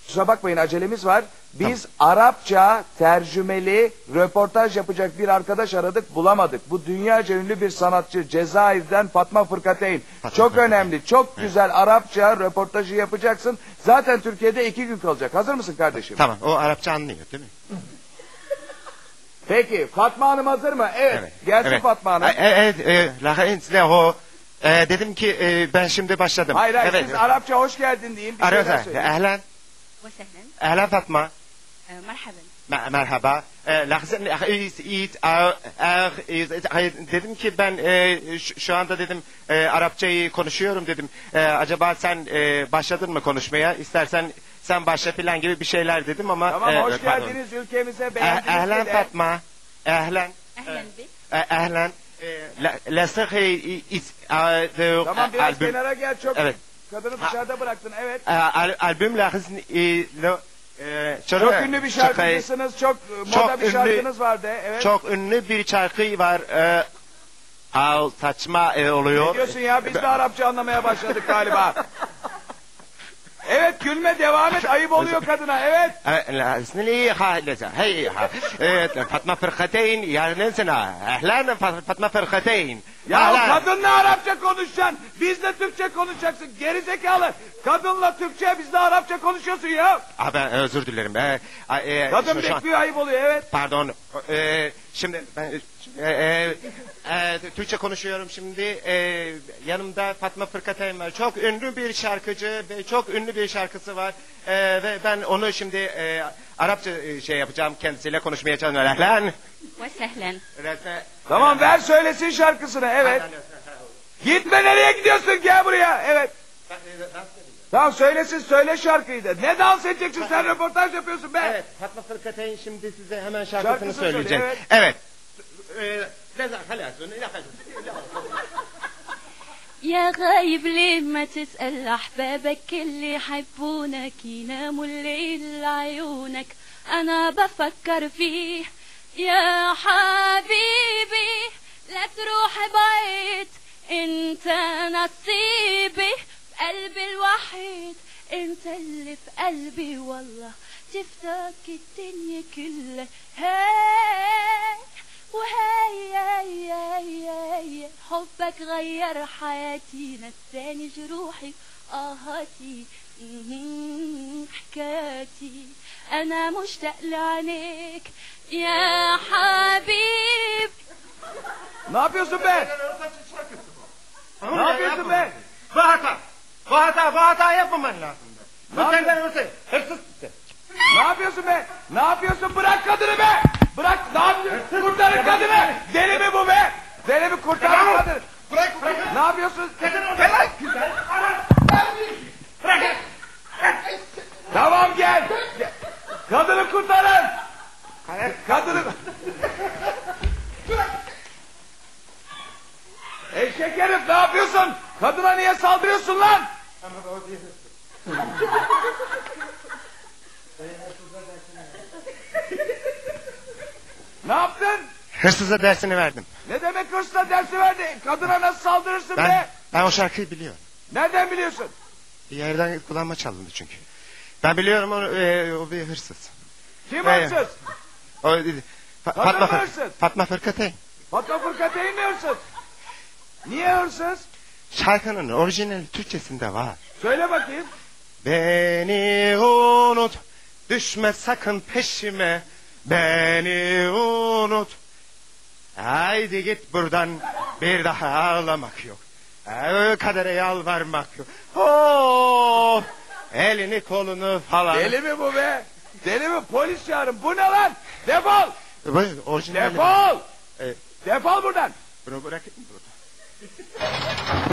Kusura bakmayın acelemiz var. Biz Arapça tercümeli röportaj yapacak bir arkadaş aradık, bulamadık. Bu dünyaca ünlü bir sanatçı Cezayir'den Fatma Fırkateyn. Çok önemli, çok güzel Arapça röportajı yapacaksın. Zaten Türkiye'de 2 gün kalacak. Hazır mısın kardeşim? Tamam, o Arapça anlıyor değil mi? Peki, Fatma Hanım hazır mı? Evet, gelsin evet. Fatma Hanım. Dedim ki ben şimdi başladım. Hayır, evet. siz Arapça hoş geldin deyin. Ehlen. وسهلا Ehlen Fatma. مرحبا Merhaba. Dedim ki ben şu anda dedim Arapçayı konuşuyorum dedim. Acaba sen başladın mı konuşmaya? İstersen sen başla falan gibi bir şeyler dedim ama. Tamam, hoş geldiniz ülkemize, beğendiniz. Ehlen Fatma. Ehlen. أهلا بك Ehlen. Tamam, biraz kenara gel, çok Evet. kadını dışarıda bıraktın, evet. Albüm Çok ünlü bir şarkıcısınız, çok moda bir şarkınız vardı, evet. Çok ünlü bir şarkı var. Saçma oluyor. Ne diyorsun ya, biz de Arapça anlamaya başladık galiba. Evet, gülme, devam et, ayıp oluyor kadına, evet. Fatma Fırkateyn yarınısına. Ehlen Fatma Fırkateyn. Ya kadınla Arapça konuşacaksın, bizle Türkçe konuşacaksın, gerizekalı. Kadınla Türkçe, bizle Arapça konuşuyorsun ya. Ben özür dilerim. Kadın bekliyor, ayıp oluyor, evet. Pardon. Şimdi ben Türkçe konuşuyorum şimdi. Yanımda Fatma Fırkateyn var. Çok ünlü bir şarkıcı ve çok ünlü bir şarkısı var. Ve ben onu şimdi Arapça şey yapacağım, kendisiyle konuşmaya çalışıyorum. Ehlen. وسهلا Tamam, ver söylesin şarkısını, evet. Gitme, nereye gidiyorsun, gel buraya, evet. Tamam, söylesin, söyle şarkıyı da. Ne dans edeceksin, sen röportaj yapıyorsun be. Evet, Fatma Fırkateyn şimdi size hemen şarkısını Şarkısını söyleyecek. söyle, Evet. يا غايب ليه ما تسأل أحبابك اللي يحبونك يناموا الليل لعيونك أنا بفكر فيه يا حبيبي لا تروح بعيد انت نصيبي قلبي الوحيد انت اللي في قلبي والله تفتك الدنيا كلها هاي وهاي هاي هاي هاي حبك غير حياتي نساني جروحي آهاتي حكاياتي أنا مشتاق لعينيك يا حبيب. Ne yapıyorsun be? Ne yapıyorsun be? Bu hata yapmaman lazım. Bu senden öte. Hırsız. Ne yapıyorsun be? Ne yapıyorsun? Bırak kadını be! Bırak, ne yapıyorsun? Kurtarın kadını! Deli mi bu be? Deli mi, kurtarın kadını? Bırak. Ne yapıyorsun? Bırak. Tamam, gel! Kadını kurtarın! Kadını... Eşek herif, ne yapıyorsun? Kadına niye saldırıyorsun lan? Ne yaptın? Hırsıza dersini verdim. Ne demek hırsla dersi verdi? Kadına nasıl saldırırsın be? Ben o şarkıyı biliyorum. Nereden biliyorsun? Bir yerden kulağıma çalındı çünkü. Ben biliyorum o bir hırsız. Kim hırsız? Fatma hırsız? Fatma Fırkateyn. Fatma Fırkateyn mi hırsız? Niye hırsız? Şarkının orijinal Türkçesinde var. Söyle bakayım. Beni unut, düşme sakın peşime. Beni unut. Haydi git buradan, bir daha ağlamak yok. Kadere yalvarmak yok. Oh, elini kolunu falan. Deli mi bu be? Deli mi? Polis çağırın. Bu ne lan? Defol! Orijinal. Defol! Defol buradan! Bunu bırakın.